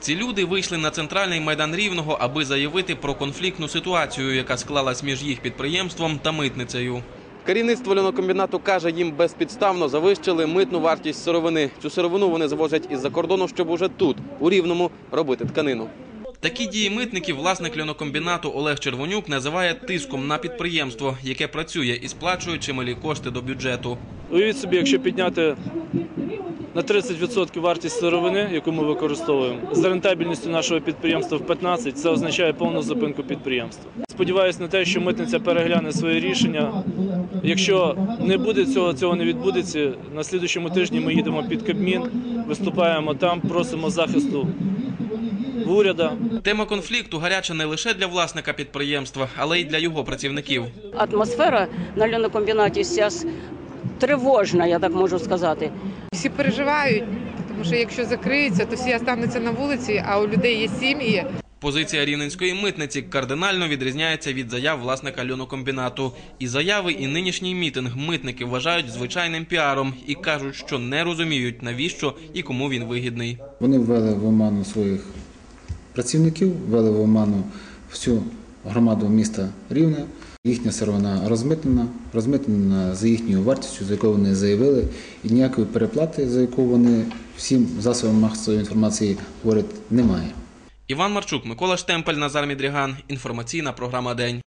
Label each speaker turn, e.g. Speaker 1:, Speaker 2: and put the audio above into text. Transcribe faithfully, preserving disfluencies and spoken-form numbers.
Speaker 1: Ці люди вийшли на центральний майдан Рівного, аби заявити про конфліктну ситуацію, яка склалась між їх підприємством та митницею. Керівництво льонокомбінату каже, їм безпідставно завищили митну вартість сировини. Цю сировину вони завозять із-за кордону, щоб уже тут, у Рівному, робити тканину. Такі дії митників власник льонокомбінату Олег Червонюк називає тиском на підприємство, яке працює і сплачує чималі кошти до бюджету.
Speaker 2: Уявіть собі, якщо підняти на тридцять відсотків вартість сировини, яку ми використовуємо, з рентабельністю нашого підприємства в п'ятнадцять відсотків, це означає повну зупинку підприємства. Сподіваюся на те, що митниця перегляне своє рішення. Якщо не буде цього, цього не відбудеться, на наступному тижні ми їдемо під Кабмін, виступаємо там, просимо захисту в уряду.
Speaker 1: Тема конфлікту гаряча не лише для власника підприємства, але й для його працівників.
Speaker 3: Атмосфера на льонокомбінаті зараз тривожна, я так можу сказати.
Speaker 4: Всі переживають, тому що якщо закриється, то всі залишаться на вулиці, а у людей є сім'ї.
Speaker 1: Позиція рівненської митниці кардинально відрізняється від заяв власника льонокомбінату. І заяви, і нинішній мітинг митники вважають звичайним піаром і кажуть, що не розуміють, навіщо і кому він вигідний.
Speaker 5: Вони ввели в оману своїх працівників, ввели в оману всю громаду міста Рівне. Їхня сировина розмитнена, розмитнена за їхньою вартістю, за яку вони заявили, і ніякої переплати, за яку вони всім засобам масової інформації говорять, немає.
Speaker 1: Іван Марчук, Микола Штемпель, Назар Мідріган. Інформаційна програма «День».